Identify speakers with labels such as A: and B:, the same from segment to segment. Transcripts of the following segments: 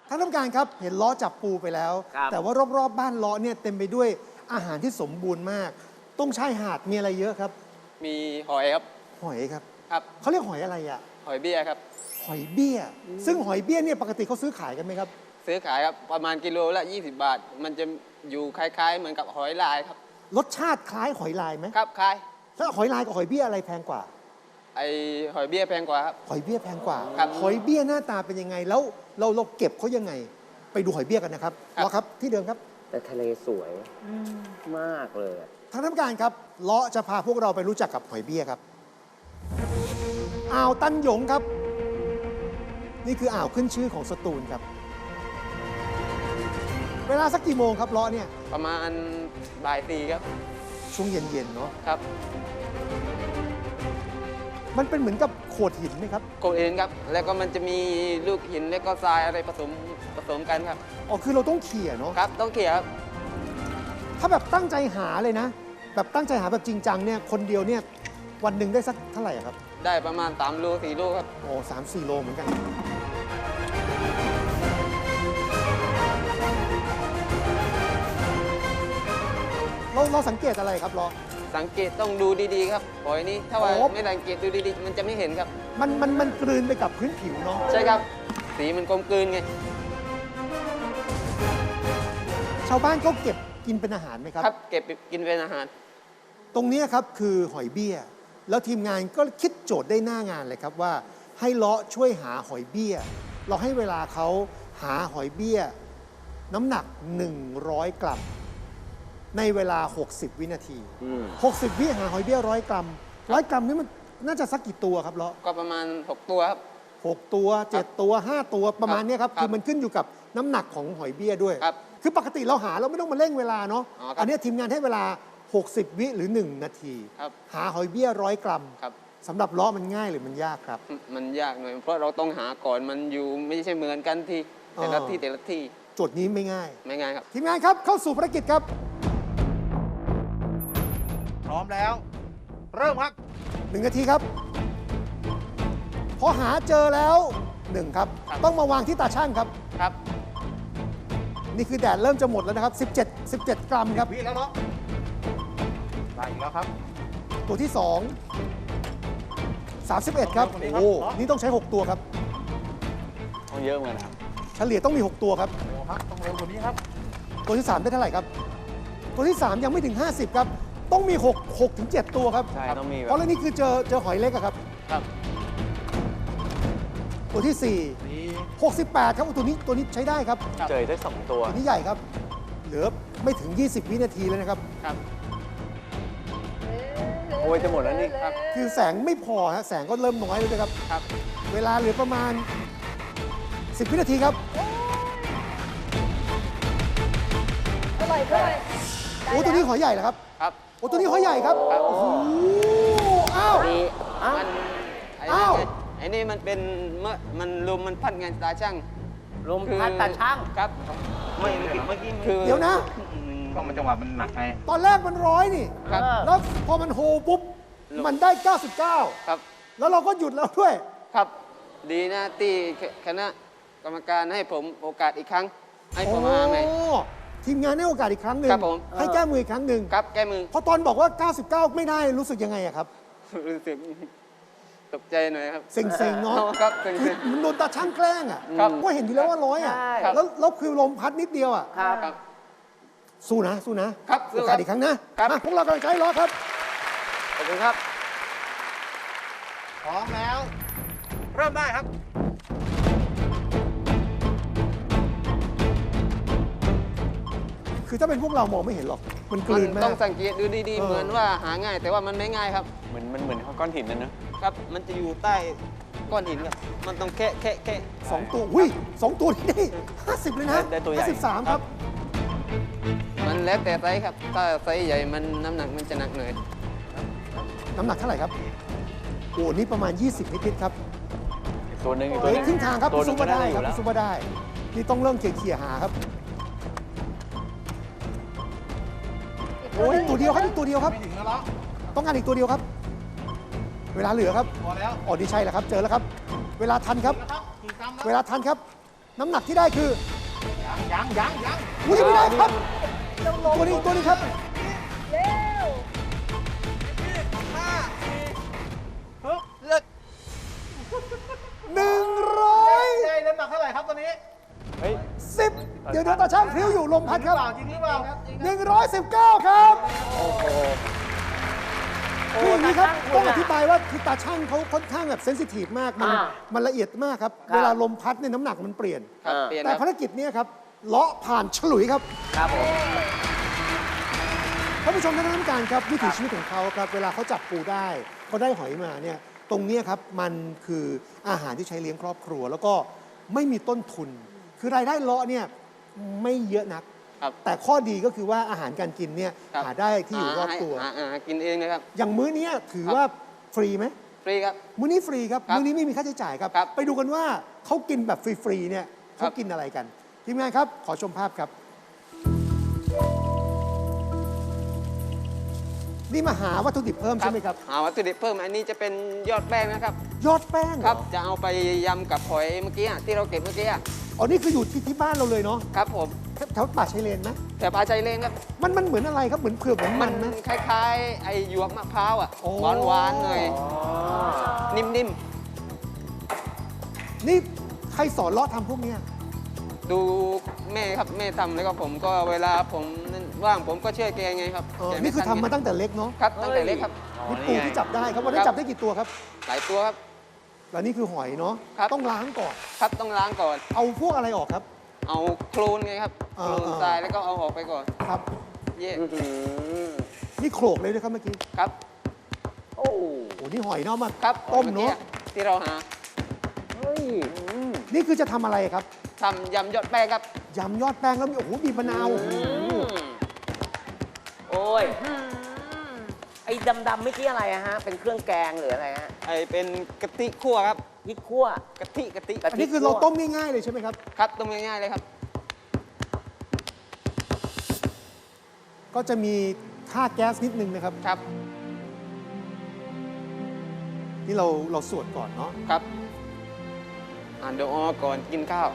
A: ท่านผู้การครับเห็นล้อจับปูไปแล้ว แต่ว่ารอบๆบ้านล้อเนี่ยเต็มไปด้วยอาหารที่สมบูรณ์มากตรงชายหาดมีอะไรเยอะครับ
B: มีหอยครับ
A: หอยครับ
B: ครับ
A: เขาเรียกหอยอะไรอะ
B: หอยเบี้ยครับ
A: หอยเบี้ย ซึ่งหอยเบี้ยเนี่ยปกติเขาซื้อขายกันไหมครับ
B: ซื้อขายครับประมาณกิโลละ20 บาท มันจะอยู่คล้ายๆ เหมือนกับหอยลายครับ
A: รสชาติคล้ายหอยลายไหม
B: ครับคล้าย
A: แล้วหอยลายกับหอยเบี้ยอะไรแพงกว่า
B: ไอหอยเบี้ยแพงกว่าครับ
A: หอยเบี้ยแพงกว่า
B: ครับ
A: หอยเบี้ยหน้าตาเป็นยังไงแล้วเราเก็บเขายังไง ไปดูหอยเบี้ยกันนะครับ
B: ครับ
A: ล้อครับที่เดิมครับ
C: แต่ทะเลสวยมากเลยอะ
A: ทางท่านผู้การครับเลาะจะพาพวกเราไปรู้จักกับหอยเบี้ยครับอ่าวตันหยงครับ นี่คืออ่าวขึ้นชื่อของสตูลครับ เวลาสักกี่โมงครับเลาะเนี่ย
B: ประมาณบ่าย4ครับ
A: ช่วงเย็นๆเนาะ
B: ครับ
A: มันเป็นเหมือนกับโขดหินไหมครับ
B: โกเอนครับ แล้วก็มันจะมีลูกหินแล้วก็ทรายอะไรผสมกันครับ
A: อ๋อคือเราต้องเขี่ยเนาะ
B: ครับต้องเขี่ยครับ
A: ถ้าแบบตั้งใจหาเลยนะ แบบตั้งใจหาแบบจริงจังเนี่ยคนเดียวเนี่ยวันหนึ่งได้สักเท่าไหร่อะครับ
B: ได้ประมาณ3 โล 4 โลครับ
A: โอ้3-4 โลเหมือนกัน เราสังเกตอะไรครับล้อ
B: สังเกตต้องดูดีๆครับหอยนี้ถ้าว่า
A: โอ้
B: ไม่สังเกตดูดีๆ มันจะไม่เห็นครับ
A: มันกลืนไปกับพื้นผิวเนาะ
B: ใช่ครับ สีมันกลมกลืนไง
A: ชาวบ้านเขาเก็บกินเป็นอาหารไหมครับ
B: ครับ เก็บไปกินเป็นอาหาร
A: ตรงนี้ครับคือหอยเบี้ย แล้วทีมงานก็คิดโจทย์ได้หน้างานเลยครับว่าให้เลาะช่วยหาหอยเบี้ย เราให้เวลาเขาหาหอยเบี้ย น้ำหนัก 100 กรัม ในเวลา 60 วินาที 60 วิหาหอยเบี้ย100 กรัม 100 กรัมนี่มันน่าจะสักกี่ตัวครับเลาะ
B: ก็ประมาณ 6 ตัวครับ
A: 6 ตัว 7 ตัว 5 ตัวประมาณเนี้ยครับ
B: ครับ
A: คือมันขึ้นอยู่กับน้ำหนักของหอยเบี้ยด้วย
B: ครับ
A: คือปกติเราหาเราไม่ต้องมาเร่งเวลาเนาะ
B: อ๋อครับ
A: อันเนี้ยทีมงานให้เวลา 60 วิหรือ 1 นาที
B: ครับ
A: หาหอยเบี้ย100 กรัม
B: ครับ
A: สำหรับล้อมันง่ายหรือมันยากครับ
B: มันยากหน่อย เพราะเราต้องหาก่อนมันอยู่ไม่ใช่เหมือนกันที่แต่ละที่แต่ละที่
A: โจทย์นี้ไม่ง่าย
B: ไม่ง่ายครับ
A: ทีมงานครับเข้าสู่ภารกิจครับ
D: พร้อมแล้ว เริ่มครับ
A: 1 นาทีครับ พอหาเจอแล้ว 1 ครับ
B: ครับ
A: ต้องมาวางที่ตาช่างครับ
B: ครับ
A: นี่คือแดดเริ่มจะหมดแล้วนะครับ 17 กรัมครับ
D: วิแล้วเนาะได้อีกแล้วครับ
A: ตัวที่ 2 31 ครับ
D: ตัวนี้ครับ
A: โอ้นี่ต้องใช้ 6 ตัวครับ
C: ต้องเยอะเหมือนกันครับ
A: เฉลี่ยต้องมี 6 ตัวครับ
D: โอ้ครับต้องเร็วกว่านี้ครับ
A: ตัวที่ 3 ได้เท่าไหร่ครับ ตัวที่ 3 ยังไม่ถึง 50 ครับ ต้องมี 6 ถึง 7 ตัวครับ
C: ใช่ต้องมีแบ
A: เพราะ
C: บ
A: เรื่องนี้คือเจอหอยเล็กอะครับ
B: ครับ
A: ตัวที่
D: นี่
A: 4 68 ครับโอ้ตัวนี้ใช้ได้ครับ
C: เจอได้2 ตัว
A: ตัวนี้ใหญ่ครับ เหลือไม่ถึง 20 วินาทีเลยนะครับ
B: ครับ
C: โอ้ยจะหมดแล้วนี่
B: ครับ
A: คือแสงไม่พอฮะแสงก็เริ่มน้อยแล้วนะครับ
B: ครับ
A: เวลาเหลือประมาณ 10 วินาทีครับ
E: เท่าไหร่ได้
A: โอ้ตัวนี้หอยใหญ่เหรอครับ
B: ครับ
A: โอ้ตัวนี้หอยใหญ่ครับ
B: ครับ
A: โอ้โหอ้าว
B: นี่มันไอ้
A: อ้าว
B: นี่ไอ้นี่มันเป็นเมื่อมันลมมันพัดไงตาช่าง
C: ลมพัดตาช่าง
B: ครับ เมื่อกี้คือ
A: เดี๋ยวนะ
D: ต้องมันจังหวะมันหนักไง
A: ตอนแรกมัน100นี่
B: ครับ
A: แล้วพอมันโฮปุ๊บ มันได้ 99
B: ครับ
A: แล้วเราก็หยุดแล้วด้วย
B: ครับ ดีนะที่คณะกรรมการให้ผมโอกาสอีกครั้ง ให้ผมมาใหม่
A: โอ้ทีมงานให้โอกาสอีกครั้งหนึ่ง
B: ครับผม
A: ให้แก้มืออีกครั้งหนึ่ง
B: ครับแก้มือ
A: พอตอนบอกว่า 99 ไม่ได้รู้สึกยังไงอะครับ
B: รู้สึกตกใจหน่อยครับ
A: เซ็งๆเนาะ
B: ครับเซ็
A: คือง มันโดนตาช่างแกล้งอะ
B: ครับ
A: ก็เห็นอยู่แล้วว่า100อะ
C: ใช่
A: แล้วคือลมพัดนิดเดียวอะ
C: ครับ
B: ครับ
A: สู้นะครับ
B: สู้
A: โอ
B: ครั
A: กา
B: บ
A: สอีกครั้งนะครับ มาพวกเรากำลังใช้ล้อครับ
B: ขอบคุณครับ
D: พร้อมแล้ว เริ่มได้ครับ
A: คือถ้าเป็นพวกเรามองไม่เห็นหรอก มันกลืน
B: มัน
A: มา
B: ต้อง
A: ก
B: สังเกตดูดี
A: เออ
B: ๆ เหมือนว่าหาง่าย แต่ว่ามันไม่ง่ายครับ
C: เหมือนก้อนหินนั่นนะครับ
B: มันจะอยู่ใต้ก้อนหินครับ มันต้องแค่
A: 2 ตัวอุ้ย2 ตัวนี่ได้ 50 เลยนะ
C: ได้ตัวใหญ่
A: 53 ครับ
B: มันแล้วแต่ไซส์ครับ ถ้าไซส์ใหญ่มันน้ำหนักมันจะหนักหน่อย
A: น้ำหนักเท่าไหร่ครับโอ้นี่ประมาณ 20 นิดๆครับ
C: อีกตัวหนึ่งอีก
A: เฮ้
C: ตัวย หนึ่ง
A: ครึ่งทางครับ
C: ตัว
A: พี่
C: หนึ่
A: ซุ
C: ง
A: ป
C: ก็
A: เปอร์
C: ได้
A: ได้
C: อ
A: ครับ
C: ยู่แล้ว
A: พี่ซุปเปอร์ได้ นี่ต้องเริ่มเขี่ยๆหาครับ โอ้ยตัวเดียวครับอีกตัวเดียวครับ
D: ไม่ถึงแล้วเนาะ
A: ต้องการอีกตัวเดียวครับ เวลาเหลือครับ
D: พอแล้ว
A: อ๋อนี่ใช่แล้วครับ เจอแล้วครับ เวลาทันครับ
D: นะครับกี่กรัมแล้ว
A: เวลาทันครับน้ำหนักที่ได้คือ
D: ยัง
A: อุ้ยยังไม่ได้ครับ ตัวนี้ครับ
E: เร็ว
D: เลิก
A: 110
D: ได้น้ำหนักเท่าไหร่ครับตอนนี้
A: เดี๋ยวตาช่างพลิ้วอยู่ลมพัดครับ
D: จริงหรือเปล่า
A: 119 ครับคืออย่างนี้ครับ
C: โอ้
A: ต้อง
C: ตาช่างคุณอะ
A: อธิบายว่าคือตาช่างเขาค่อนข้างแบบเซนซิทีฟมาก มันละเอียดมากครับ
C: ครับ
A: เวลาลมพัดเนี่ยน้ำหนักมันเปลี่ยน
B: ครับเปลี่ยน
A: แต่
B: ครับ
A: ภารกิจเนี้ครับเลาะผ่านฉลุยครับ
C: ครับผม
A: ท่านผู้ชมท่านผู้การครับวิถีชีวิตของเขาครับเวลาเขาจับปูได้เขาได้หอยมาเนี่ยตรงเนี้ยครับมันคืออาหารที่ใช้เลี้ยงครอบครัว แล้วก็ไม่มีต้นทุน คือรายได้เลาะเนี่ยไม่เยอะนัก
B: ครับ
A: แต่ข้อดีก็คือว่าอาหารการกินเนี่ย
B: ครับ
A: หาได้ที่อยู่รอบตัว
B: หากินเองนะครับ
A: อย่างมื้อเนี้ยถือ
B: ครับ
A: ว่าฟรีไหม
B: ฟรีครับ
A: มื้อนี้ฟรีครับ
B: ครับ
A: มื้อนี้ไม่มีค่าใช้จ่ายครับ
B: ครับ
A: ไปดูกันว่าเขากินแบบฟรีๆเนี่ย
B: ครั
A: เขา
B: บ
A: กินอะไรกันทีมงานครับขอชมภาพครับ นี่มาหาวัตถุดิบเพิ่มใช่ไหมครับ
B: หาวัตถุดิบเพิ่มอันนี้จะเป็นยอดแป้งนะครับ
A: ยอดแป้งเห
B: ครับ
A: อ
B: จะเอาไปยำกับหอยเมื่อกี้ที่เราเก็บเมื่อกี้
A: อ๋อ นี่คืออยู่ที่บ้านเราเลยเนาะ
B: ครับผม
A: แถวป่าชายเลนไหม
B: แต่ปลาใจเล่นครับ
A: มันเหมือนอะไรครับ เหมือนเผือกเหมือนมันไหม
B: คล้ายๆ ไอ้หยวกมะพร้าวอ่ะ
A: โอ้
B: หวานๆหน่อยนิ่ม
A: นี่ใครสอนเลาะทำพวกเนี้ย
B: ๆ ดูแม่ครับแม่ทำแล้วก็ผมก็เวลาผมว่างผมก็ช่วยแกไงครับ
A: เออ
B: แกไ
A: นี่คือทำมา
B: ไ
A: ตั้งแต่เล็กเนาะ
B: ครับตั้งแต่เล็กครับ
A: นี่ปูที่จับได้ครับวันนี้น
B: ครับ
A: จับได้กี่ตัวครับ
B: หลายตัวครับ
A: แล้วนี่คือหอยเนาะ
B: ครับ
A: ต้องล้างก่อน
B: ครับต้องล้างก่อน
A: เอาพวกอะไรออกครับ
B: เอาโคลนไงครับ
A: เอ
B: โค
A: อ
B: ลนทรายแล้วก็เอาออกไปก่อน
A: ครับ
B: เย่
A: นี่โขลกเลยด้วยครับเมื่อกี้
B: ครับ
C: โอ้
A: โอ้นี่หอยเนาะมา
B: ครับ
A: ต้ม
B: มื่อกี้
A: เนาะ
B: ที่เราหา
C: เฮ้ย
A: นี่คือจะทำอะไรครับ
B: ทำยำยอดแป้งครับ
A: ยำยอดแป้งแล้วมีโอ้โหมีมะนาวโอ้โห
C: โอ้ย ไอ้ดำๆเมื่อกี้อะไรอะฮะ เป็นเครื่องแกงหรืออะไรฮะ
B: ไอเป็นกะทิคั่วครับ
C: พริกคั่ว
B: กะทิ
A: อันนี้คือเราต้มง่ายๆเลยใช่ไหมครับ
B: ครับต้มง่ายๆเลยครับ
A: ก็จะมีค่าแก๊สนิดนึงนะครับ
B: ครับ
A: นี่เราสวดก่อนเนาะ
B: ครับอ่านดูออก่อนกินข้าว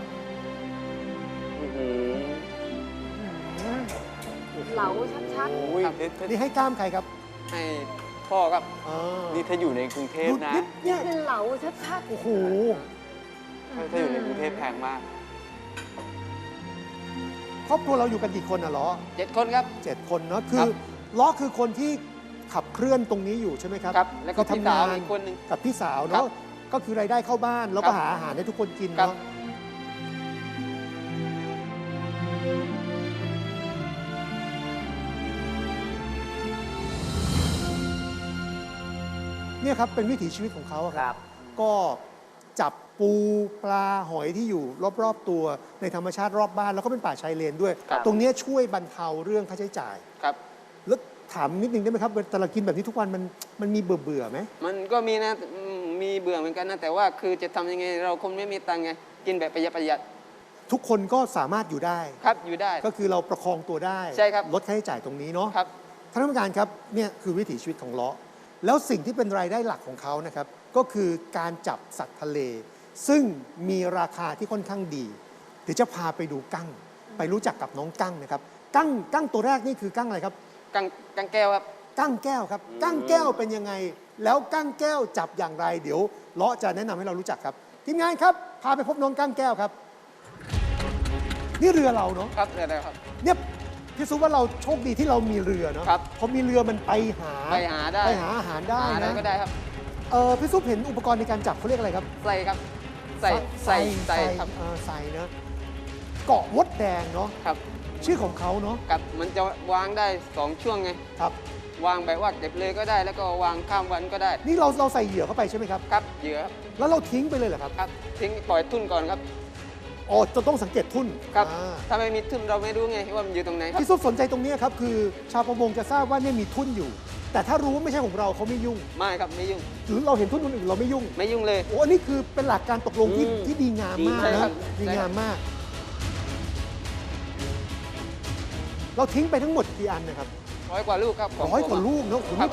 E: เหลาชัด
F: โอ้ย
B: ครับ
A: นี่ให้กล้ามใครครับ
B: ให้พ่อครับ
A: อ๋อ
F: นี่ถ้าอยู่ในกรุงเทพนะ
E: ๆ
A: เนี่ย
E: คือเหลาชัด
A: โอ้โห
F: ถ้าอยู่ในกรุงเทพแพงมาก
A: ครอบครัวเราอยู่กันกี่คนอ่ะล้อ
B: 7 คนครับ
A: 7 คนเนาะคื
B: ครั
A: อบ ล้อคือคนที่ขับเคลื่อนตรงนี้อยู่ใช่ไหมครับ
B: ครับ แล้วก็
A: คือ
B: พี่
A: ทำ
B: สาว
A: งาน
B: อีกคนหนึ่ง
A: กับพี่สาว
B: ครั
A: เนาะ
B: บ
A: ก็คือรายได้เข้าบ้านแล้ว
B: ครั
A: ก็
B: บ
A: หาอาหารให้ทุกคนกิน
B: ครับ
A: เนาะเนี่ยครับเป็นวิถีชีวิตของเขาอะค
C: ครั
A: รับ
C: บ
A: ก็จับปูปลาหอยที่อยู่รอบๆตัวในธรรมชาติรอบบ้านแล้วก็เป็นป่าชายเลนด้วย
B: ครับ
A: ตรงเนี้ยช่วยบรรเทาเรื่องค่าใช้จ่าย
B: ครับ
A: แล้วถามนิดนึงได้ไหมครับแต่เรากินแบบนี้ทุกวันมันมีเบื่อไหม
B: มันก็มีนะมีเบื่อเหมือนกันนะ แต่ว่าคือจะทำยังไงเราคนไม่มีตังค์ไง กินแบบประหยัด
A: ทุกคนก็สามารถอยู่ได้
B: ครับอยู่ได้
A: ก็คือเราประคองตัวได้
B: ใช่ครับ
A: ลดค่าใช้จ่ายตรงนี้เนาะ
B: ครับ
A: ท่านผู้การครับเนี่ยคือวิถีชีวิตของเลาะแล้วสิ่งที่เป็นรายได้หลักของเขานะครับก็คือการจับสัตว์ทะเล ซึ่งมีราคาที่ค่อนข้างดีเดี๋ยวจะพาไปดูกั้ง ไปรู้จักกับน้องกั้งนะครับกั้งตัวแรกนี่คือกั้งอะไรครับ
B: กังแก้วครับ
A: กั้งแก้วครับกั้งแก้วเป็นยังไง แล้วกั้งแก้วจับอย่างไร เดี๋ยวเลาะจะแนะนำให้เรารู้จักครับทีมงานครับพาไปพบน้องกั้งแก้วครับ นี่เรือเราเนาะ
B: ครับเดี๋ยวครับ
A: เนี่ยพี่ซุปว่าเราโชคดีที่เรามีเรือเนาะ
B: ครับ
A: พอมีเรือมันไปหา
B: ไปหาได้
A: ไปหาอาหารได้
B: หาอะไร
A: นะ
B: ก็ได้ครับ
A: พี่ซุปเห็นอุปกรณ์ในการจับเขาเรียกอะไรครับ
B: ใส่ครับ ใส่ครับ
A: ใส่เนอะเกาะมดแดงเนาะ
B: ครับ
A: ชื่อของเขาเนาะ
B: กับมันจะวางได้ 2 ช่วงไง
A: ครับ
B: วางแบบว่าเก็บเลยก็ได้ แล้วก็วางข้ามวันก็ได้
A: นี่เราใส่เหยื่อเข้าไปใช่ไหมครับ
B: ครับเหยื่อครับ
A: แล้วเราทิ้งไปเลยเหรอครับ
B: ครับทิ้งปล่อยทุ่นก่อนครับ
A: อ๋อจะต้องสังเกตทุ่น
B: ครับ
A: อ่า
B: ถ้าไม่มีทุ่นเราไม่รู้ไงว่ามันอยู่ตรงไหนครับ
A: พี่ซุปสนใจตรงนี้ครับคือชาวประมงจะทราบว่าเนี่ยมีทุ่นอยู่ แต่ถ้ารู้ว่าไม่ใช่ของเราเขาไม่ยุ่ง
B: ไม่ครับไม่ยุ่ง
A: หรือเราเห็นทุ่นคนอื่นเราไม่ยุ่ง
B: ไม่ยุ่งเลย
A: โอ้อันนี้คือเป็นหลักการตกลงที่
C: อืม
A: ที่ดีงามมาก
B: ใช่ครั
A: นะ
B: บ
A: ดีงามมาก เราทิ้งไปทั้งหมดกี่อันนะครับ
B: 100 กว่าลูกครับขง
A: 100 กว่า
B: ผม
A: ลูกเนอะโอ้โห
B: ครับ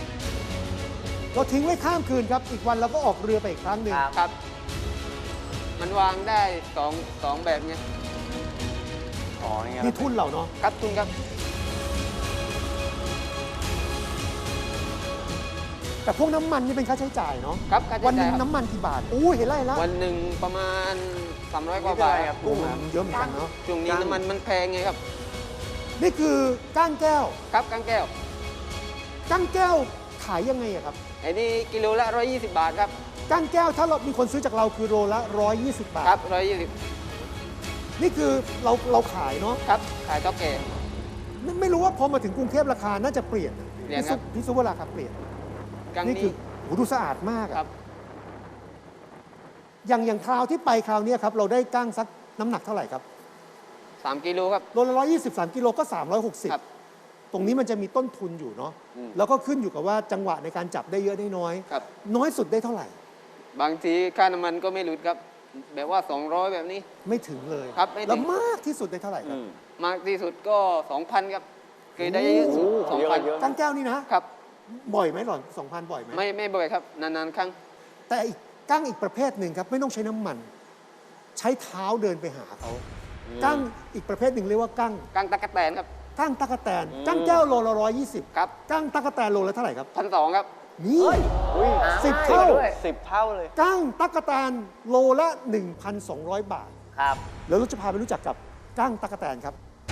A: เราทิ้งไว้ข้ามคืนครับ อีกวันเราก็ออกเรือไปอีกครั้งหนึ่ง
C: ครับ
B: ครับมันวางได้สองแบบไง
F: อ๋อนี่ไง
A: นี่ทุ่นเราเนาะ
B: ครับคุณครับ
A: แต่พวกน้ำมันนี่เป็นค่าใช้จ่ายเนาะ
B: ครับค่าใช้
A: วันห
B: จ่า
A: นึ่
B: ย
A: ง
B: ครับ
A: น้ำมันกี่บาทอู้เห็นไรแล้ว
B: วันหนึ่งประมาณ300 กว่าบาทครับ
A: โอ้โหเยอะเหมือนกันเนาะ
B: ช่วงนี้น้ำมันมันแพงไงครับ
A: นี่คือก้างแก้ว
B: ครับกังแก้ว
A: ก้างแก้วขายยังไงอะครับ
B: ไอ้นี่กิโลละ120 บาทครับ
A: ก้างแก้วถ้าเรามีคนซื้อจากเราคือโลละ120 บาท
B: ครับ120
A: นี่คือเราขายเนาะ
B: ครับขายเท่าแก่
A: ไม่รู้ว่าพอมาถึงกรุงเทพราคาน่าจะเปลี่ยน
B: เปลี่ยนครับ
A: พี่ซุปว่าราคาเปลี่ยน
B: กัง
A: นี่คื
B: นี้
A: อโหดูสะอาดมากอะ
B: ครับ
A: อย่างคราวที่ไปคราวเนี้ยครับเราได้ก้างสักน้ำหนักเท่าไหร่ครับ
B: 3 กิโลครับ
A: โลละ123 กิโลก็
B: ครับ
A: 360 ตรงนี้มันจะมีต้นทุนอยู่เนาะแล้วก็ขึ้นอยู่กับว่าจังหวะในการจับได้เยอะได้น้อย
B: ครับ
A: น้อยสุดได้เท่าไหร่
B: บางทีค่าน้ำมันก็ไม่หลุดครับ แบบว่า 200 แบบนี้
A: ไม่ถึงเลย
B: ครับไม่ถึง
A: แล้วมากที่สุดได้เท่าไหร่ครับ
B: มากที่สุดก็ 2,000 ครับ เคยได้เยอะสุด
F: เยอะ
B: 2,000
A: ก้างแก้วนี่นะครับ บ่อยไหมหรอ2,000 บ่อยไหม
B: ไม่บ่อยครับ นานๆครั้ง
A: แต่อีกก้างอีกประเภทหนึ่งครับไม่ต้องใช้น้ำมัน ใช้เท้าเดินไปหาเขาก้างอีกประเภทหนึ่งเรียกว่าก้าง
B: กังตะกะแตนครับ
A: ก้างตั๊กแตนก้างแก้วโลละ120
B: ครับ
A: ก้างตั๊กแตนโลละเท่าไหร่ครับ
B: 1,200 ครับ
A: นี่
F: อุ้ย
A: 10 เท่า
C: ด้วย
F: 10 เท่าเลย
A: ก้างตั๊กแตนโลละ 1,200 บาท
C: ครับ
A: แล้วเราจะพาไปรู้จักกับก้างตั๊กแตนครับ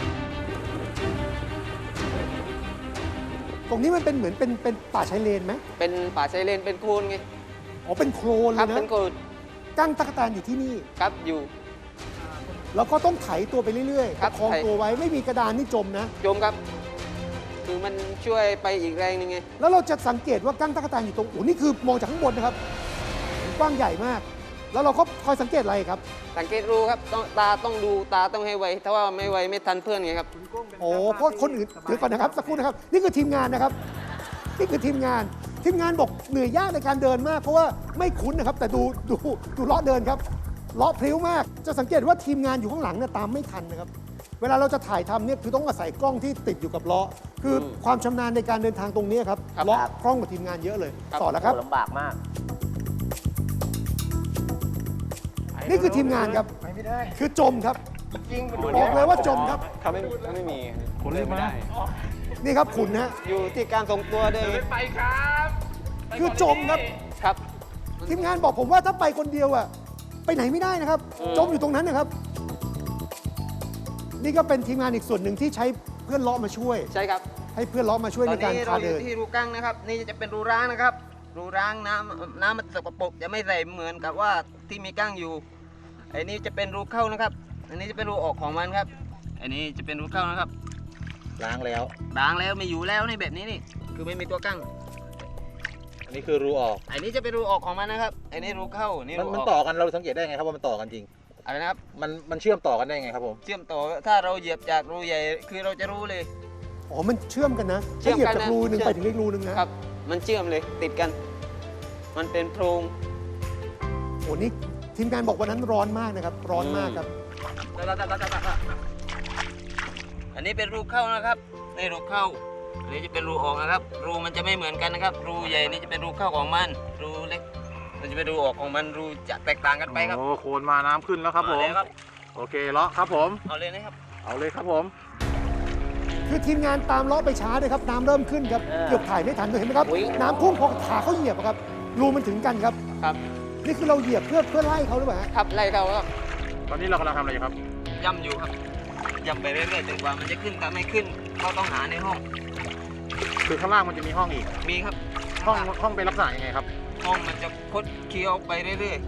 A: ตรงนี้มันเป็นเหมือนเป็นป่าชายเลนไหม
B: เป็นป่าชายเลนเป็นโคลนไง
A: อ๋อเป็นโคลนเล
B: ครับ
A: ยนะ
B: เป็นโคลน
A: ก้างตั๊กแตนอยู่ที่นี่
B: ครับอยู่
A: แล้วก็ต้องไถตัวไปเรื่อยๆ
B: ครั
A: ป
B: บ
A: ระคอง
B: ไถ
A: ตัวไว้ไม่มีกระดานนี่จมนะ
B: โยมครับ คือมันช่วยไปอีกแรงหนึงไง
A: แล้วเราจะสังเกตว่าก้างตั๊กแตนอยู่ตรงโอ้นี่คือมองจากข้างบนนะครับกว้างใหญ่มาก แล้วเราก็คอยสังเกตอะไรครับ
B: สังเกตรู้ครับตาต้องดูตาต้องให้ไว ถ้าว่าไม่ไวไม่ทันเพื่อนไงครับ
A: โอ้เพราะคนอื่นเดี๋ยวก่อนนะครับสักครู่นะครับ นี่คือทีมงานนะครับ นี่คือทีมงานบอกเหนื่อยยากในการเดินมาก เพราะว่าไม่คุ้นนะครับ แต่ดูเลาะเดินครับเลาะพลิ้วมาก จะสังเกตว่าทีมงานอยู่ข้างหลังเนี่ยตามไม่ทันนะครับ เวลาเราจะถ่ายทำเนี่ยคือต้องอาศัยกล้องที่ติดอยู่กับเลาะคือความชำนาญในการเดินทางตรงนี้ครับ
B: ครับ
A: เลาะคล่องกว่าทีมงานเยอะเลย
B: ครับ
A: ต่อแล้วครับ
C: โอ้ลำบากมาก
A: นี่คือทีมงานครับ
D: ไปไม่ได้
A: คือจมครับ
D: จริงมันดู
A: บอกเลยว่าจมครับ
F: ถ้าไม่มีคนเล่นไม่ได้
A: นี่ครับขุนนะฮะ
B: อยู่ที่การทรงตัวด้วยไง
D: ไปครับไป
A: คือจมครับ
B: ครับ
A: ทีมงานบอกผมว่าถ้าไปคนเดียวอะไปไหนไม่ได้นะครับ จมอยู่ตรงนั้นนะครับ นี่ก็เป็นทีมงานอีกส่วนหนึ่งที่ใช้เพื่อนเลาะมาช่วย
B: ใช่ครับ
A: ให้เพื่อนเลาะมาช่วย
B: ตอ
A: ใน
B: น
A: การ
B: นี้
A: พา
B: เราอ
A: เดิ
B: ยู่
A: น
B: ที่รูกั้งนะครับ นี่จะเป็นรูร้างนะครับ รูร้างน้ำมันสกปรกจะไม่ใส่เหมือนกับว่าที่มีกั้งอยู่ไอ้นี่จะเป็นรูเข้านะครับ อันนี้จะเป็นรูออกของมันครับอันนี้จะเป็นรูเข้านะครับ
D: ล้างแล้ว
B: ล้างแล้วไม่อยู่แล้วนี่แบบนี้นี่คือไม่มีตัวกั้ง
D: อันนี้คือรูออก
B: อันนี้จะเป็นรูออกของมันนะครับอันนี้รูเข้านี่
D: มัน
B: รู
D: มัน
B: ออก
D: ต่อกันเราสังเกตได้ไงครับว่ามันต่อกันจริง
B: อะไรนะครับ
D: มันเชื่อมต่อกันได้ไงครับผม
B: เชื่อมต่อถ้าเราเหยียบจากรูใหญ่คือเราจะรู้เลย
A: อ๋อ มันเชื่อมกันนะ
B: เชื่
A: ถ้า
B: อม
A: เหยียบ
B: กัน
A: จาก
B: นะ
A: รูหนึ่ง
B: เชื่อม
A: ไปถึงอีกรูหนึ่งนะครับ
B: มันเชื่อมเลยติดกัน มันเป็นโพรง
A: โอ้นี่ทีมงานบอกวันนั้นร้อนมากนะครับ ร้อนมากครับ
B: อันนี้เป็นรูเข้านะครับนี่รูเข้าอันนี้จะเป็นรูออกนะครับ รูมันจะไม่เหมือนกันนะครับ รูใหญ่นี่จะเป็นรูเข้าของมัน รูเล็กมันจะเป็นรูออกของมัน รูจะแตกต่างกันไปครับ
D: โอ้โคนมาน้ำขึ้นแล้วครับผม
B: เอาเลยครับ
D: โอเคเลาะครับผม
B: เอาเลยนะครับ
D: เอาเลยครับผม
A: คือทีมงานตามเลาะไปช้าด้วยครับ น้ำเริ่มขึ้นครับ เกือบถ่ายไม่ทันเลยเห็นไหมครับ
C: อุ๊ย
A: น้ำพุ่งพอขาเขาเหยียบอะครับ รูมันถึงกันครับ
B: ครับ
A: นี่คือเราเหยียบเพื่อไล่เขาหรือเปล่าฮะ
B: ครับไล่เข้าครับ
D: ตอนนี้เรากำลังทำอะไรอยู่ครับ
B: ย่ำอยู่ครับย่ำไปเรื่อยๆจนกว่ามันจะขึ้นถ้าไม่ขึ้นเราต้องหาในห้อง
D: คือข้างล่างมันจะมีห้องอีก
B: มีครับ
D: ห้องเป็นลักษณะยังไงครับ
B: ห้องมันจะคดเคี้ยวไปเรื่อย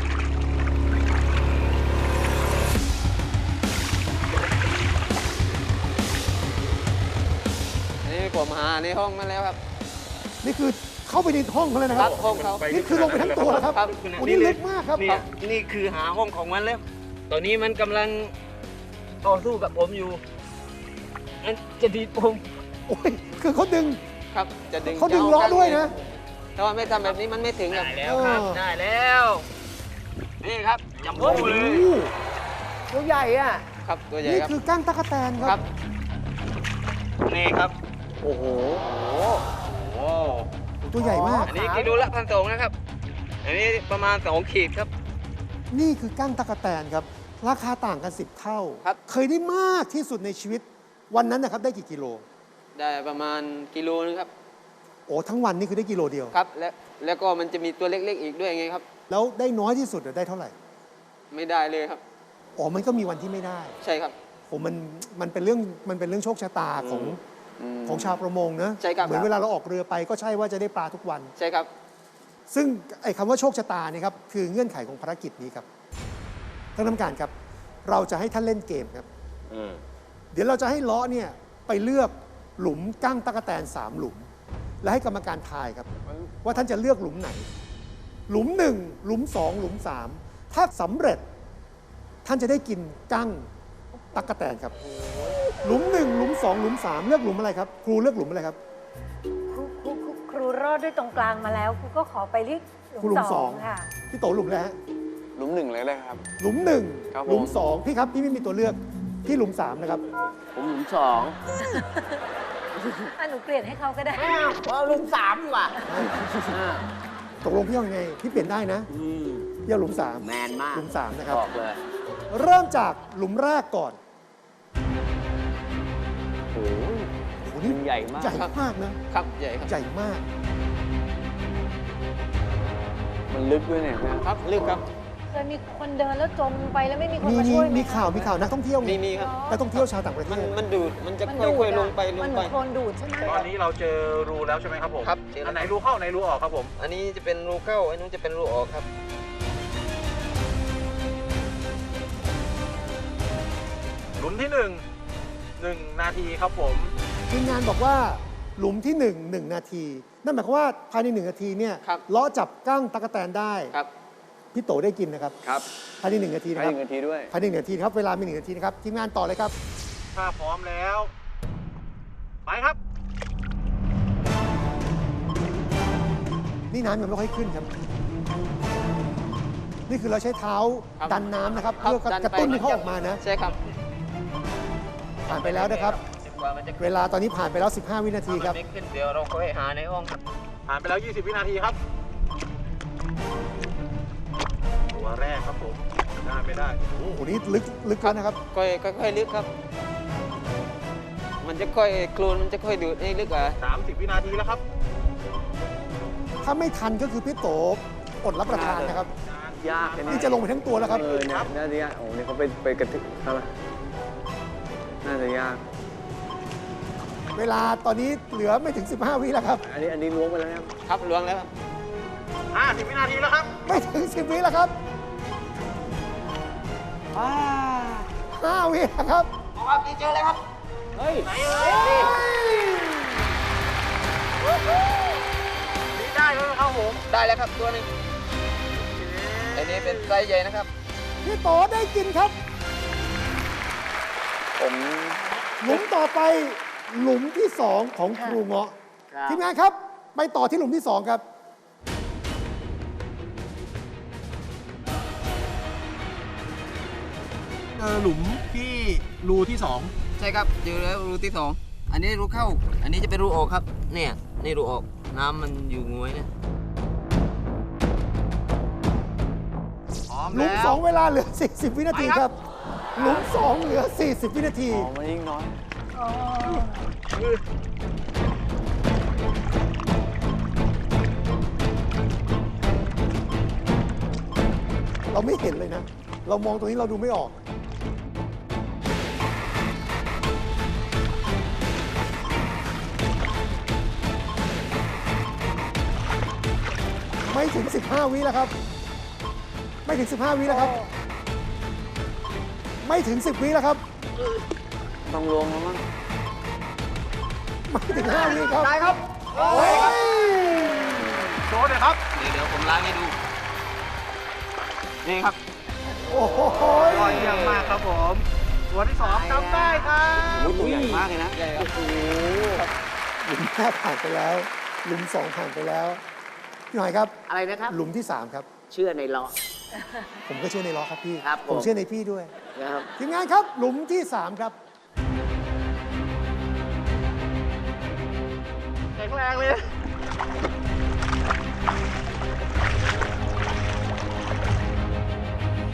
B: ๆนี่ผมหาในห้องมาแล้วครับ
A: นี่คือเข้าไปในห้องเขาเลยนะครับ
B: ห้องเขา
A: นี่คือลงไปทั้งตัวแล้วครับ
B: ครับ
A: โอ้นี่ลึกมากครับ
B: เนี่ยนี่คือหาห้องของมันแล้ว ตอนนี้มันกำลังต่อสู้กับผมอยู่มันจะดีดผม
A: โอ้ย คือเขาดึง
B: ครับ จะดึง
A: เขาดึงล้อด้วยนะ
B: แต่ว่าไม่ทำแบบนี้มันไม่ถึงครับ
A: ได้แล้วครับ
B: ได้แล้ว นี่ครับจัมโบ้
A: โอ้
B: เลย
A: โห
C: ตัวใหญ่อะ
B: ครับตัวใหญ่
A: นี่
B: ครับ
A: คือก้างตั๊กแตนค
B: ครั
A: รับ
B: บ นี่ครับ
D: โอ้โห
A: ตัวใหญ่มาก
B: อันนี้กิโลละ1,200นะครับ อันนี้ประมาณ2 ขีดครับ
A: นี่คือกั้งตะกแตนครับ ราคาต่างกัน 10 เท่า
B: ครับ
A: เคยได้มากที่สุดในชีวิตวันนั้นนะครับได้กี่กิโล
B: ได้ประมาณกิโลนึงครับ
A: โอ้ทั้งวันนี่คือได้กิโลเดียว
B: ครับแล้วก็มันจะมีตัวเล็กๆอีกด้วยไงครับ
A: แล้วได้น้อยที่สุดได้เท่าไหร่
B: ไม่ได้เลยครับ
A: อ๋อมันก็มีวันที่ไม่ได้
B: ใช่ครับ
A: โอ้มันเป็นเรื่องโชคชะตาของชาวประมงนะ
B: ใช่ครับ
A: เหมือนเวลาเราออกเรือไปก็ใช่ว่าจะได้ปลาทุกวัน
B: ใช่ครับ
A: ซึ่งไอ้คำว่าโชคชะตาเนี่ยครับคือเงื่อนไขของภารกิจนี้ครับท่านกรรมการครับ เราจะให้ท่านเล่นเกมครับ เดี๋ยวเราจะให้ล้อเนี่ยไปเลือกหลุมกั้งตะกแตน3 หลุม และให้กรรมการทายครับ ว่าท่านจะเลือกหลุมไหน หลุม 1 หลุม 2 หลุม 3 ถ้าสำเร็จท่านจะได้กินกั้งตะกแตนครับ หลุม 1 หลุม 2 หลุม 3 เลือกหลุมอะไรครับ ครูเลือกหลุมอะไรครับ
E: ครูรอดด้วยตรงกลางมาแล้วครูก็ขอไปที่
A: ครูหลุม
E: ส
A: ส
E: อ
A: อง ง
E: ค่ะ
A: พี่โตหลุมแล้ว
F: หลุมหนึ่งเลยครับ
A: หลุม
F: ครับ
A: 1
F: ผม
A: หลุม 2 พี่ครับพี่ไม่มีตัวเลือกพี่หลุม 3 นะครับ
C: ผมหลุมสอง
E: หนูเปลี่ยนให้เขาก็ได้
C: เอาหลุมสามดีกว่า
A: ตกลงพี่เอาไงพี่เปลี่ยนได้นะพี่เอาหลุม 3
C: แมนมาก
A: หลุม 3 นะครับ
C: บอกเลย
A: เริ่มจากหลุมแรกก่อน
C: โอ้โห
A: โอ้โหนี่
C: มันใหญ่มาก
A: ใหญ่มากนะครับ
B: ใหญ่ครับ
A: ใหญ่มาก
F: มันลึกด้วยเนี่ยนะครับ
B: ลึกครับ
E: เคยมีคนเดินแล้วจมไปแล้วไม่มีคน
A: มี
E: มาช่วยไห
A: มีข่าวนักท่องเที่ยวไง
B: มีครับ
A: นักท่องเที่ยวชาวต่างประเท
B: มัน
A: ศ
B: มันดูด มันจะ
E: มัน
B: ค่
E: ดู
B: อย
E: ด
B: ๆลงไป
E: มันเหมือนโคลนดูดใช่ไหม
D: ตอนนี้เราเจอรูแล้วใช่ไหมครับผม
B: ครับเจอแล้ว
D: อันไหนรูเข้าไหนรูออกครับผม
B: อันนี้จะเป็นรูเข้า อันนู้นจะเป็นรูออกครับ
D: หลุมที่ 1 นาทีครับผม
A: ทีมงานบอกว่าหลุมที่ 1 นาที นั่นหมายความว่าภายใน 1 นาทีเนี่ย
B: ครับ
A: ล้อจับกั้งตะกแตนได้
B: ครับ
A: พี่โตได้กินนะครับ
F: ครับ
A: ภายใน 1 นาทีนะ
F: ให้
A: ค
F: ห
A: รับ
F: นึ่งนาทีด้วย
A: ภายใน1 นาทีครับเวลามี1 นาทีนะครับทีมงานต่อเลยครับ
D: ถ้าพร้อมแล้ว ไปครับ
A: นี่น้ำยังไม่ค่อยขึ้นครับ นี่คือเราใช้เท้า
B: ครับ
A: ดันน้ำนะครับ
B: ครับ
A: เพื่อ
B: ดัน
A: กระ
B: ไป
A: ตุ้นให้เขาออกมานะ
B: ใช่ครับ
A: ผ่านไปแล้วนะครับ
B: กว่ามันจะ
A: เวลาตอนนี้ผ่านไปแล้ว 15 วินาทีครับ
B: ไม่ขึ้นเดี๋ยวเราค่อยหาในห้องครับ
D: ผ่านไปแล้ว 20 วินาทีครับ ตัวแรกครับผมได้ไม่ได้
A: โอ้โหนี่ลึกแล้วนะครับ
B: ค่อยลึกครับ มันจะค่อยโคลนมันจะค่อยดูดให้ลึกกว่า
D: 30 วินาทีแล้วครับ
A: ถ้าไม่ทันก็คือพี่โตอดรับประทานนะครับ
F: ยากเลย
A: นี่จะลงไปทั้งตัวแล้วครับ
F: เนี่ยน่าจะยากโอ้เนี่ยเขาไปกระทึกเขาละน่าจะยาก
A: เวลาตอนนี้เหลือไม่ถึง 15 วิแล้วครับ
F: อันนี้ล้วงไปแล้วนะครับ
B: ครับล้วงแล้วครับ
D: 50 วินาทีแล้วครับ
A: ไม่ถึง 10 วิแล้วครับ 5 วิแล้วครับ
B: เอาครับนี่เจอแล้วครับ
C: เฮ้ย
D: ไหนเอ่ยนี่ได้แล้วนะครับผม
B: ได้แล้วครับตัวหนึงอันนี้เป็นไซส์ใหญ่นะครับ
A: พี่โตได้กินครับ
F: ผม
A: หลุมต่อไปหลุมที่ 2 ของครูเงาะ
C: ครับ
A: ทีมงานครับ ไปต่อที่หลุมที่ 2 ครับ
D: หลุมที่รูที่
B: ใช่ครับเจอแล้วรูที่ 2 อันนี้รูเข้า อันนี้จะเป็นรูออกครับ เนี่ยนี่รูออก น้ำมันอยู่งวยเนี่ย
D: 2 พร้อม
A: หลุม
D: แล้ว
A: 2 เวลาเหลือ 40 วินาทีครับ หลุม 2 เหลือ 40 วินาที
F: อ๋อมันยิ่งน้อย
E: อ๋อ
A: เราไม่เห็นเลยนะ เรามองตรงนี้เราดูไม่ออก ไม่ถึง 15 วิแล้วครับ ไม่ถึง 15 วิแล้วครับ ไม่ถึง 10 วิแล้วครับ
F: ต้องล้วงแล้วมั้ง
A: ไม่ถึง 5 วิครับ
D: ได้ครับ
A: โอ้ย
D: โชว์เลยครับ
B: เดี๋ยวผมล้างให้ดู นี่ครับ
A: โอ้โห
D: ยอดเยี่ยมมากครับผม ตัวที่ 2ทำได้ครับ
F: โอ้ยตัวใหญ่มากเลยนะ
B: ใหญ่ครับ
A: หลุมแรกผ่านไปแล้ว หลุม 2 ผ่านไปแล้วพี่หอยครับ
C: อะไรนะครับ
A: หลุมที่ 3 ครับ
C: เชื่อในล้อ
A: ผมก็เชื่อในล้อครับพี่
C: ครับผม
A: ผมเชื่อในพี่ด้วย
C: นะครับ
A: ทีมงานครับ หลุมที่ 3 ครับ
D: แข็งแรงเลย
A: ห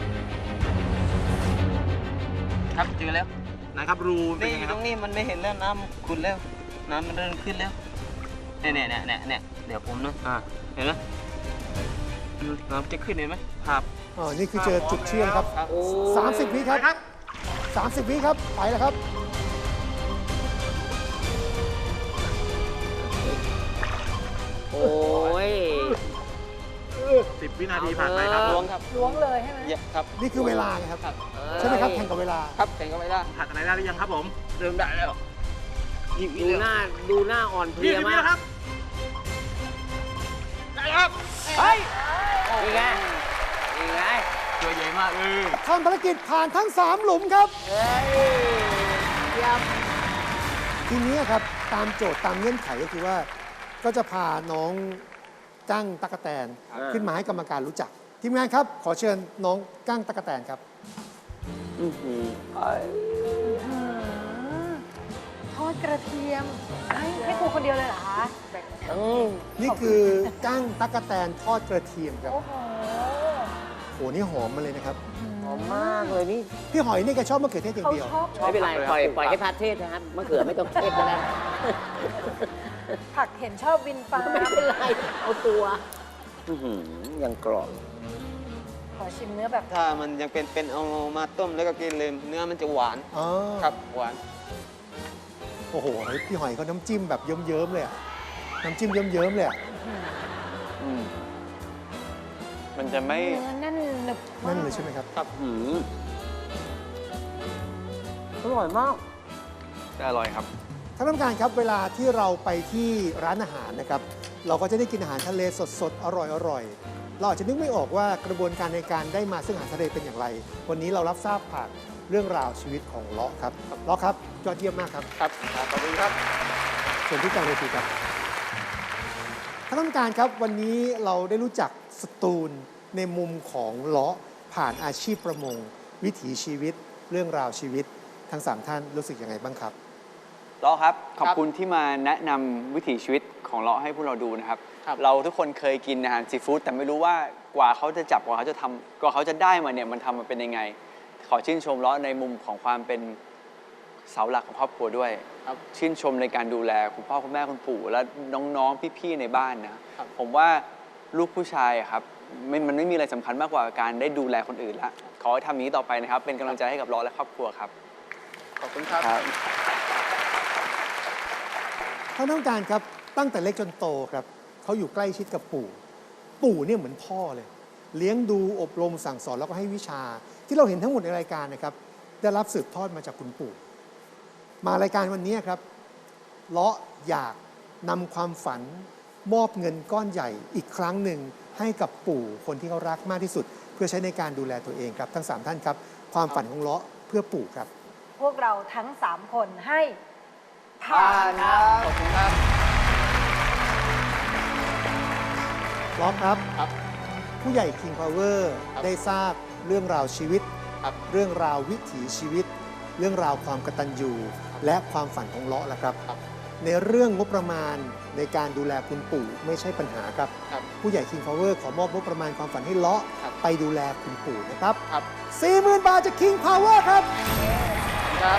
B: ครับเจอแล้ว
D: นะครับรูเป็
B: นี่
D: น
B: อ
D: ยังไง
B: ยู่
D: ค
B: ต
D: รับ
B: รงนี้มันไม่เห็นแล้วน้ำขุ่นแล้ว น้ำมันเริ่มขึ้นแล้วเนี่ยเดี๋ยวผมนะเห็นไหมน้ำจะขึ้นเห็นไหมครับ
A: นี่คือเจอจุดเชื่อมครับ
B: ครับ
A: 30 วิครับ
D: ครับ
A: 30 วิครับ ไปแล้วครับ
C: โอ้ย
D: 10 วินาทีผ่านไปครับ
B: ล้วงครับ
E: ล้วงเลยใช่ไหม
B: ครับ
A: นี่คือเวลาไงครับ
B: ครับ
A: ใช่ไหมครับ แข่งกับเวลา
B: ครับแข่งกันไปได้
D: ผ่านอะไรได้หรือยังครับผม
B: เริ่มได้แล้วยี่สิบ
C: ดู
B: วิ
C: หน้าดูหน้าอ่อนเพลีย
D: 20 วิ
C: มาก
D: แล้วครับ
B: ได้แล้วครับ
C: เฮ้ยนี่ไงนี่ไง
B: ตัวใหญ่มากเลย
A: ทำภารกิจผ่านทั้ง 3 หลุมครับ
C: เฮ้ยเยี่ยม
A: ทีนี้ครับตามโจทย์ตามเงื่อนไขก็คือว่า ก็จะพาน้องกั้งตั๊กแตนขึ้นมาให้กรรมการรู้จัก ทีมงานครับ ขอเชิญน้องกั้งตั๊กแตนครับ
E: ทอดกระเทียมให้ครูคนเดียวเลยเหรอคะ
A: นี่คือกั้งตั๊กแตนทอดกระเทียมครับ
E: โอ้โห
A: โอ้นี่หอมมาเลยนะครับ
C: หอมมากเลยนี่
A: พี่หอยนี่แกชอบมะเขือเทศอย่าง
E: เขา
A: เดียว
E: ชอบ
C: ไม่เป็นไรปล่อยให้พัดเทศนะครับมะเขือไม่ต้องเทศก็ได้
E: ผักเห็นชอบวินฟ้า
C: ไม่เป็นไรเอาตัวยังกรอบ
E: ขอชิมเนื้อแบบ
B: ถ้ามันยังเป็นเอามาต้มแล้วก็กินเลยเนื้อมันจะหวาน
A: อ๋อ
B: ครับหวาน
A: โอ้โห พี่หอยเขาน้ำจิ้มแบบเยิ้มๆเลยอะน้ำจิ้มเยิ้มๆเลยอะ
F: มันจะไม่
E: เนื้อแน่นหนึบมาก
A: นั่นเลยใช่ไหมครับ
C: อร่อยมาก
F: อร่อยครับ
A: ท่านผู้การครับเวลาที่เราไปที่ร้านอาหารนะครับ เราก็จะได้กินอาหารทะเลสดๆ อร่อยๆ เราอาจจะนึกไม่ออกว่ากระบวนการในการได้มาซึ่งอาหารทะเลเป็นอย่างไร วันนี้เรารับทราบผ่านเรื่องราวชีวิตของเลาะครับเลาะครับยอดเยี่ยมมากครับ
B: ครับขอบคุณครับ
A: เชิญที่กลางเวทีครับท่านผู้การครับวันนี้เราได้รู้จักสตูลในมุมของเลาะผ่านอาชีพประมง วิถีชีวิต เรื่องราวชีวิตทั้ง3ท่านรู้สึกยังไงบ้างครับ
F: เลาะครับ ขอบคุณที่มาแนะนำวิถีชีวิตของเลาะให้พวกเราดูนะครับ
B: ครับ
F: เราทุกคนเคยกินอาหารซีฟู้ดแต่ไม่รู้ว่ากว่าเขาจะจับกว่าเขาจะทำกว่าเขาจะได้มาเนี่ยมันทำมาเป็นยังไง ขอชื่นชมเลาะในมุมของความเป็นเสาหลักของครอบครัวด้วย
B: ครับ
F: ชื่นชมในการดูแลคุณพ่อคุณแม่คุณปู่ และน้องๆพี่ๆในบ้านนะครับ ผมว่าลูกผู้ชายอะครับมันไม่มีอะไรสำคัญมากกว่าการได้ดูแลคนอื่นละขอให้ทำอย่างนี้ต่อไปนะครับ เป็นกำลังใจให้กับเลาะและครอบครัวครับ
B: ขอบคุณครับ
F: ครับ
A: ท่านผู้การครับตั้งแต่เล็กจนโตครับเขาอยู่ใกล้ชิดกับปู่ ปู่เนี่ยเหมือนพ่อเลย เลี้ยงดูอบรมสั่งสอนแล้วก็ให้วิชา ที่เราเห็นทั้งหมดในรายการนะครับ ได้รับสืบทอดมาจากคุณปู่ มารายการวันนี้ครับเลาะอยากนำความฝันมอบเงินก้อนใหญ่อีกครั้งหนึ่งให้กับปู่คนที่เขารักมากที่สุด เพื่อใช้ในการดูแลตัวเองครับทั้ง3ท่านครับความฝันของเลาะเพื่อปู่ครับ
E: พวกเราทั้ง 3 คนให้ผ่า
B: ผ่าน น
E: ค
B: ค
E: รั
B: รับ บ ขอบคุณครับ
A: ล็อกครับ
B: ครับ
A: ผู้ใหญ่ King Power
B: ครับ
A: ได้ทราบเรื่องราวชีวิต
B: ครับ
A: เรื่องราววิถีชีวิต เรื่องราวความกตัญญูและความฝันของเลาะแล้วครับ
B: ครับ
A: ในเรื่องงบประมาณในการดูแลคุณปู่ไม่ใช่ปัญหาครับ
B: ครับ
A: ผู้ใหญ่ King Power ขอมอบงบประมาณความฝันให้เลาะ
B: ครับ
A: ไปดูแลคุณปู่นะครับ
B: ครับ
A: 40,000 บาทจาก King Power ครับ
B: ครับ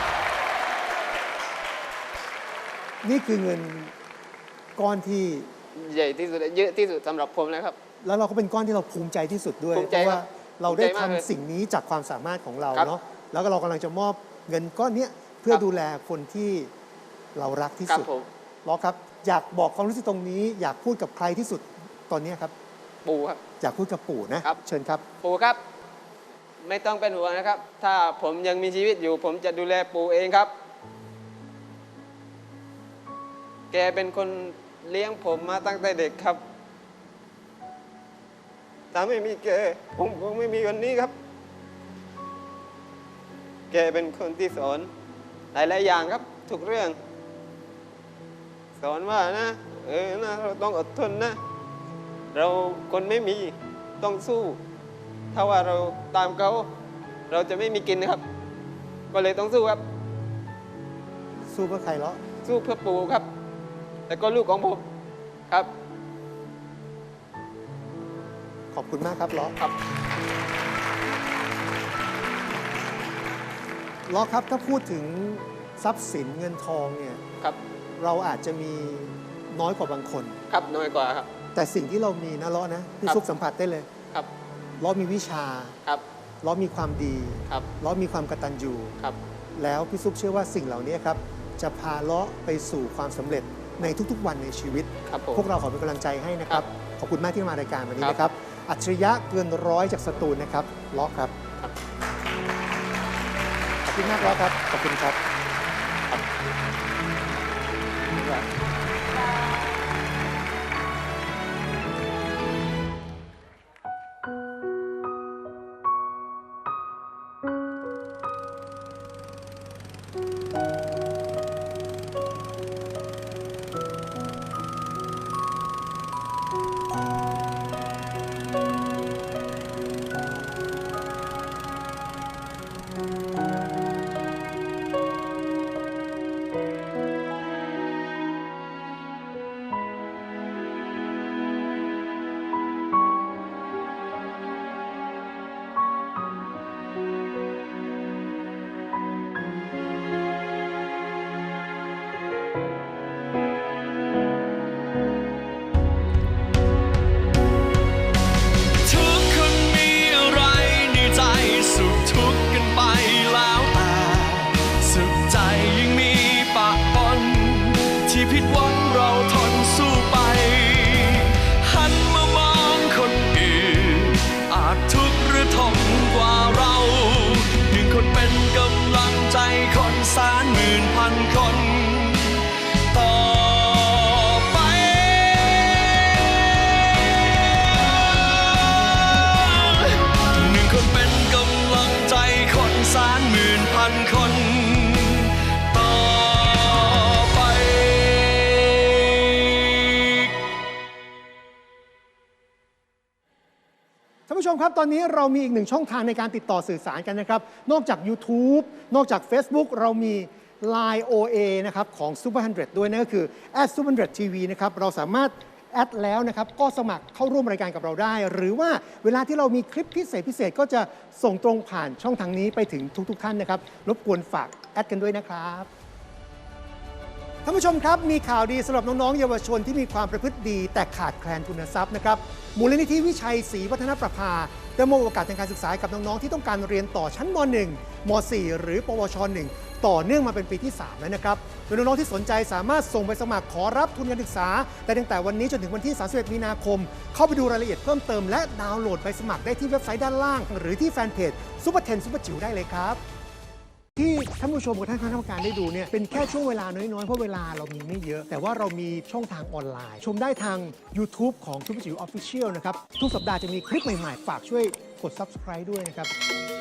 A: นี่คือเงินก้อนที่
B: ใหญ่ที่สุดเยอะที่สุดสำหรับผมนะครับ
A: แล้วเราก็เป็นก้อนที่เราภูมิใจที่สุดด้วย
B: ภูมิ
A: เพ
B: ใจ
A: ราะว่า
B: ครับ
A: เราได้
B: ภูมิใจมากเลย
A: ทำสิ่งนี้จากความสามารถของเรา
B: ครับ
A: เนาะแล้วก็เรากำลังจะมอบเงินก้อนเนี้ยเพื่อ
B: ครับ
A: ดูแลคนที่เรารักที่
B: ครับ
A: สุด
B: ผม
A: ล้อครับอยากบอกความรู้สึกตรงนี้ อยากพูดกับใครที่สุดตอนเนี้ยครับ
B: ปู่ครับ
A: อยากพูดกับปู่นะครับ เชิญครับ
B: ปู่ครับ ไม่ต้องเป็นห่วงนะครับ ถ้าผมยังมีชีวิตอยู่ ผมจะดูแลปู่เองครับ แกเป็นคนเลี้ยงผมมาตั้งแต่เด็กครับ ถ้าไม่มีแกผมคงไม่มีวันนี้ครับ แกเป็นคนที่สอนหลายๆอย่างครับ ทุกเรื่อง สอนว่านะนะเราต้องอดทนนะ เราคนไม่มีต้องสู้ ถ้าว่าเราตามเขาเราจะไม่มีกินนะครับ ก็เลยต้องสู้ครับ
A: สู้เพื่อใครล้อ
B: สู้เพื่อปู่ครับ แต่ก็ลูกของผมครับ
A: ขอบคุณมากครับล้อ
B: ครับ
A: ทล้อครับถ้าพูดถึงทรัพย์สินเงินทองเนี่ย
B: ครับ
A: เราอาจจะมีน้อยกว่าบางคน
B: ครับน้อยกว่าครับ
A: แต่สิ่งที่เรามีนะล้อนะพี่
B: ครับ
A: ซุปสัมผัสได้เลย
B: ครับ
A: ล้อมีวิชา
B: ครับ
A: ล้อมีความดี
B: ครับ
A: ล้อมีความกตัญญู
B: ครับ
A: แล้วพี่ซุปเชื่อว่าสิ่งเหล่านี้ครับจะพาล้อไปสู่ความสำเร็จในทุกๆวันในชีวิต
B: ครับผม
A: พวกเราขอเป็นกำลังใจให้นะครับ ขอบคุณมากที่มารายการวันนี้
B: ครับ
A: นะครับ อัจฉริยะเกินร้อยจากสตูลนะครับล้อครับ
B: ครับ
A: ขอบคุณมากล้อครับ ขอบคุณครับ
G: ทุกคนมีอะไรในใจสุขทุกข์กันไปแล้วแต่สุขใจยังมีปะปนที่ผิดหวังเราทนสู้ไป หันมามองคนอื่นอาจทุกข์หรือทนกว่าเราหนึ่งคนเป็นกำลังใจคนแสนหมื่นพันคนต่อไป หนึ่งคนเป็นกำลังใจคนแสนหมื่นพันคนต่อไป
A: ท่านผู้ชมครับ ตอนนี้เรามีอีกหนึ่งช่องทางในการติดต่อสื่อสารกันนะครับ นอกจาก YouTube นอกจาก Facebook เรามี Line OA นะครับของ Super 100 ด้วยนั่นก็คือ @super100tv นะครับเราสามารถแอดแล้วนะครับก็สมัครเข้าร่วมรายการกับเราได้ หรือว่าเวลาที่เรามีคลิปพิเศษก็จะส่งตรงผ่านช่องทางนี้ไปถึงทุกท่านนะครับรบกวนฝากแอดกันด้วยนะครับท่านผู้ชมครับมีข่าวดีสำหรับน้องๆเยาวชนที่มีความประพฤติดีแต่ขาดแคลนทุนทรัพย์นะครับมูลนิธิวิชัยศรีวัฒนประภาได้มอบโอกาสทางการศึกษาให้กับน้องๆที่ต้องการเรียนต่อชั้นม .1 ม .4 หรือปวช .1 ต่อเนื่องมาเป็นปีที่ 3 แล้วนะครับโดยน้องๆที่สนใจสามารถส่งไปสมัครขอรับทุนการศึกษาได้ตั้งแต่วันนี้จนถึงวันที่ 31 มีนาคม เข้าไปดูรายละเอียดเพิ่มเติมและดาวน์โหลดใบสมัครได้ที่เว็บไซต์ด้านล่าง หรือที่แฟนเพจซุปเปอร์10ซุปเปอร์จิ๋วได้เลยครับ ที่ท่านผู้ชมกับท่านคณะกรรมการได้ดูเนี่ยเป็นแค่ช่วงเวลาน้อยๆ เพราะเวลาเรามีไม่เยอะ แต่ว่าเรามีช่องทางออนไลน์ ชมได้ทาง YouTube ของซุปเปอร์จิ๋ว Official นะครับ ทุกสัปดาห์จะมีคลิปใหม่ๆ ฝากช่วยกด Subscribe ด้วยนะครับ